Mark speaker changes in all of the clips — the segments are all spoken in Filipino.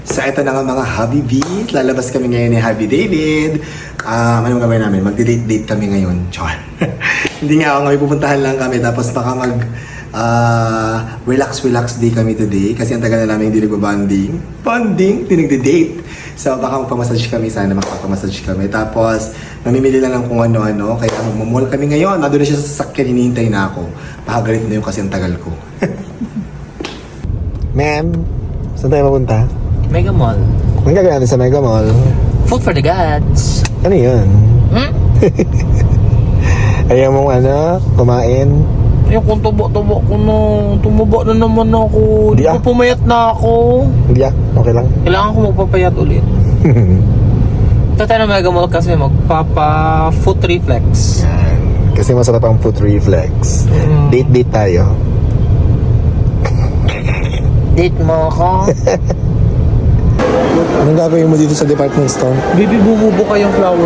Speaker 1: So ito na nga mga Hubby Bees. Lalabas kami ngayon ni Hubby David. Anong gagawin namin? Magdi-date kami ngayon. Char. Hindi nga ako ngayon, pupuntahan lang kami. Tapos baka relax day kami today. Kasi ang tagal na namin hindi nagbabanding. Hindi nagdi-date. So baka magpamassage kami. Sana makapamassage kami. Tapos mamimili lang ng kung ano-ano. Kaya magmamall kami ngayon. Nandun na siya sa sasakyan. Hinihintay na ako. Pakagalit na yun kasi ang tagal ko. Ma'am, saan tayo mapunta?
Speaker 2: Mega Mall.
Speaker 1: Ang gagawin natin sa Mega Mall?
Speaker 2: Food for the gods.
Speaker 1: Ano yun? Ayaw mong kumain?
Speaker 2: Yung kung tubo-tubo ko na. Tumaba na naman ako. Di ko pumayat na ako.
Speaker 1: Hindi okay lang.
Speaker 2: Kailangan ko magpapayat ulit. Ito tayo na Mega Mall kasi magpapa-foot reflex.
Speaker 1: Yan. Kasi masarap ang foot reflex. Date tayo.
Speaker 2: Date mo ako?
Speaker 1: Anong gagawin mo dito sa department store?
Speaker 2: Baby, bumubo kayong flower.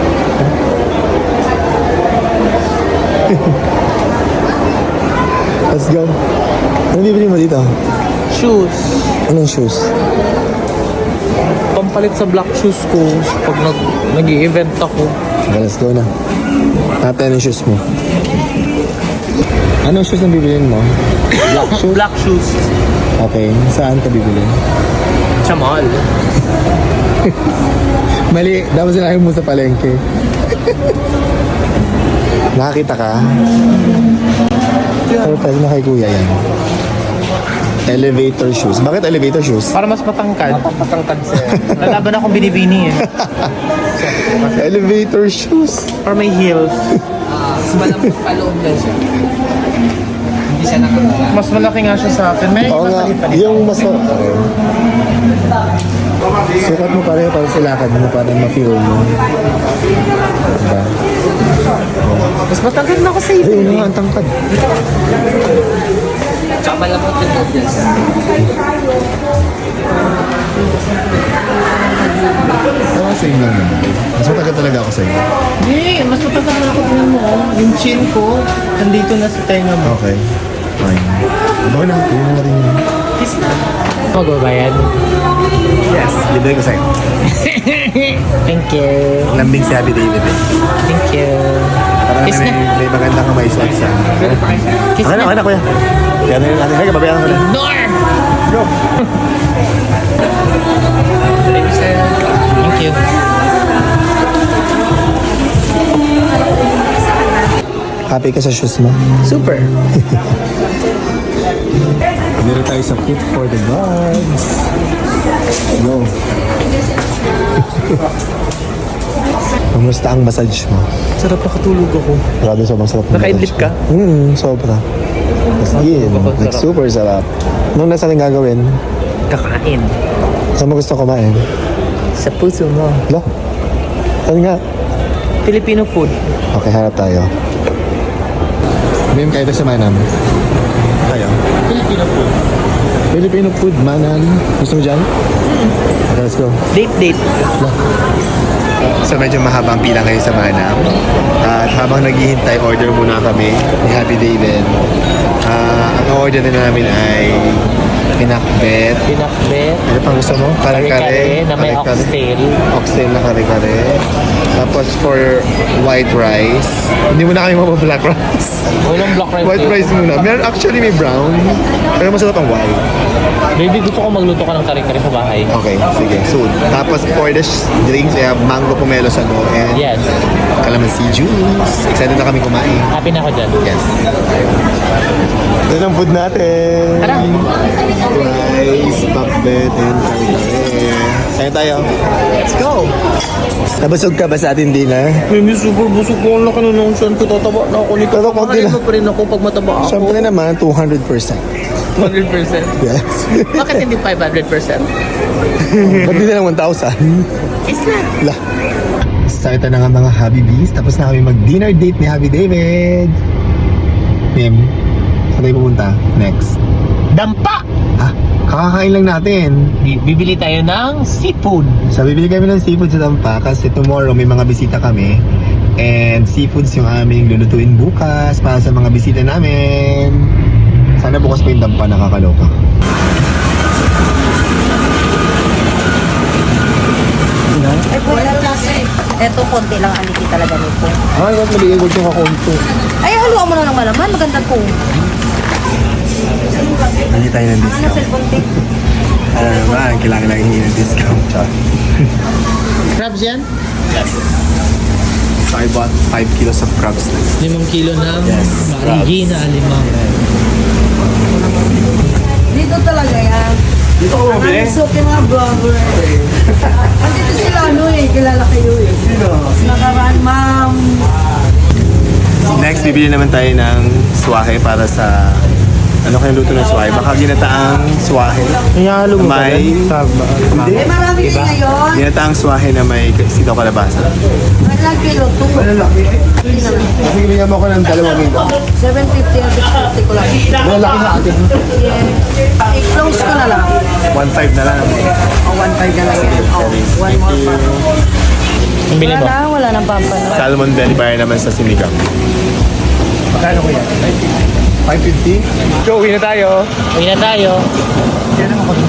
Speaker 1: Let's go. Anong bibili mo dito?
Speaker 2: Shoes.
Speaker 1: Anong shoes?
Speaker 2: Pampalit sa black shoes ko pag nag-i-event ako.
Speaker 1: Okay, let's go na. Natin anong shoes mo. Anong shoes ang bibilin mo? Black shoes?
Speaker 2: Black shoes.
Speaker 1: Okay, saan ka bibili?
Speaker 2: Sa mall.
Speaker 1: Mali, dapat sinabi mo sa palengke. Nakakita ka? Pero pwede na kay kuya yan. Elevator shoes. Bakit elevator shoes?
Speaker 2: Para mas matangkad. Matangkad sir. Lalaban akong binibini eh.
Speaker 1: Elevator shoes.
Speaker 2: Or may heels.
Speaker 3: Mas malambot pa loob lang siya. Hindi siya nakakala.
Speaker 2: Mas malaki nga siya sa akin. May
Speaker 1: Oo nga, yung mas... Okay. Sukat mo pareho para silakad mo para ma-feel mo. Diba?
Speaker 2: Mas matangkad na ako sa
Speaker 1: Ay, ano nga ang tangkad?
Speaker 3: Tsaka malambot yung loob yan siya.
Speaker 1: Oo, same lang naman. Mas matagal talaga ako sa'yo.
Speaker 2: Hindi, mas matangkad na ako. Tingnan mo. Yung chin ko, nandito na sa tenga mo.
Speaker 1: Okay. Fine. Baka na, tingnan natin yun.
Speaker 2: Kiss na. Magbabayad.
Speaker 1: Yes, libre ko sa'yo.
Speaker 2: Thank you.
Speaker 1: Lambing si Happy David eh.
Speaker 2: Thank you.
Speaker 1: Para
Speaker 2: Kiss
Speaker 1: may,
Speaker 2: na.
Speaker 1: may magandang kamay suot sa...
Speaker 2: Kiss
Speaker 1: Okay na, kuya. Kaya na yun natin. Hey, babayaran ko na.
Speaker 2: Door!
Speaker 1: Go!
Speaker 2: Thank you, sir. Thank you.
Speaker 1: Happy ka sa shoes mo?
Speaker 2: Super.
Speaker 1: Dito tayo sa Food for the Gods. Go. Kamusta ang massage mo?
Speaker 2: Sarap nakatulog ako.
Speaker 1: Grabe, sobrang sarap.
Speaker 2: Naka-idlip ka?
Speaker 1: Sobra. As in, like super sarap. Anong nasa rin gagawin?
Speaker 2: Kakain.
Speaker 1: Saan mo gusto kumain?
Speaker 2: Sa puso mo.
Speaker 1: Lo? Saan nga?
Speaker 2: Filipino food.
Speaker 1: Okay, harap tayo. Ma'am, kayo sa manam. Tayo.
Speaker 2: Filipino food.
Speaker 1: Filipino food, manam. Gusto mo dyan? Okay, let's go.
Speaker 2: Date.
Speaker 1: So medyo mahaba ang pila ngayon sa Manam. At habang naghihintay, order muna kami ni Happy David. Ang order na namin ay pinakbet.
Speaker 2: Pinakbet.
Speaker 1: Ano pang gusto mo?
Speaker 2: Kare-kare na may oxtail.
Speaker 1: Oxtail na kare-kare. Tapos for white rice. Hindi mo na kami black rice.
Speaker 2: Walang black rice.
Speaker 1: White rice muna. Meron actually may brown. Pero masarap ang white.
Speaker 2: Baby, gusto ko magluto ka ng kare-kare sa bahay.
Speaker 1: Okay, sige. Soon. Tapos for the drinks, I have mango pomelo sago and
Speaker 2: Yes.
Speaker 1: calamansi juice. Excited na kami kumain.
Speaker 2: Happy na ako dyan.
Speaker 1: Yes. Ito ang food natin.
Speaker 2: Tara.
Speaker 1: Rice, pakbet, and kare-kare. Kain tayo.
Speaker 2: Let's go.
Speaker 1: Nabusog ka ba sa ating dinner?
Speaker 2: Baby, super busog ko. Ang laki na nung saan ko tataba na ako nito.
Speaker 1: Pero konti
Speaker 2: Mahalin
Speaker 1: lang.
Speaker 2: mo pa rin ako pag mataba ako.
Speaker 1: Siyempre naman, 200%.
Speaker 2: 100%.
Speaker 1: Yes.
Speaker 2: Bakit hindi 500%?
Speaker 1: Ba't di na lang 1,000?
Speaker 2: Is na.
Speaker 1: So ito na nga mga Hubby Bees. Tapos na kami mag-dinner date ni Happy David. Mim, saan tayo pupunta? Next.
Speaker 2: Dampa!
Speaker 1: Kakakain lang natin.
Speaker 2: Bibili tayo ng seafood.
Speaker 1: So bibili kami ng seafood sa Tampa kasi tomorrow may mga bisita kami. And seafoods yung aming lulutuin bukas para sa mga bisita namin. Sana bukas pa yung Tampa, nakakaloka.
Speaker 4: lang aniki talaga nito.
Speaker 1: Ay, wag maliigod yung kakunto.
Speaker 4: Ay, haluan mo na ng malaman. Maganda to.
Speaker 1: Hindi tayo ng
Speaker 4: Ano na
Speaker 1: discount.
Speaker 4: cellphone tape?
Speaker 1: Ano naman, kailangan lang hingin ng discount. Char.
Speaker 3: Crabs yan?
Speaker 1: So I bought 5 kilos of crabs na.
Speaker 3: 5 kilo ng
Speaker 1: Yes,
Speaker 3: marigi na alimang.
Speaker 4: Dito talaga yan.
Speaker 1: Dito ko bumili?
Speaker 4: Ang suki mga vlogger. Andito sila kilala kayo
Speaker 1: Sino?
Speaker 4: Nakaraan, ma'am.
Speaker 1: Next, bibili naman tayo ng swahe para sa... Ano kaya luto ng swahe? Baka ginataang swahe.
Speaker 2: Ihalo mo ba
Speaker 1: May-
Speaker 2: yan? Sa
Speaker 1: Hindi.
Speaker 4: Eh, marami din ngayon.
Speaker 1: Ginataang swahe na may sitaw kalabasa.
Speaker 4: Ilang kilo? 2.
Speaker 1: Malalaki eh. Kasi binigyan mo ko ng 2 kilo.
Speaker 4: 750 and 650 ko lang.
Speaker 1: Malalaki sa atin.
Speaker 4: I-close ko na lang.
Speaker 1: 1.5 na lang.
Speaker 4: O, 1.5 na lang yan. O, one more pa.
Speaker 2: Ang bili mo?
Speaker 4: Wala nang pampano.
Speaker 1: Salmon belly fire naman sa sinigang. Magkano ko yan? 550? So, uwi na tayo.
Speaker 2: Uwi na tayo.
Speaker 1: Yan ang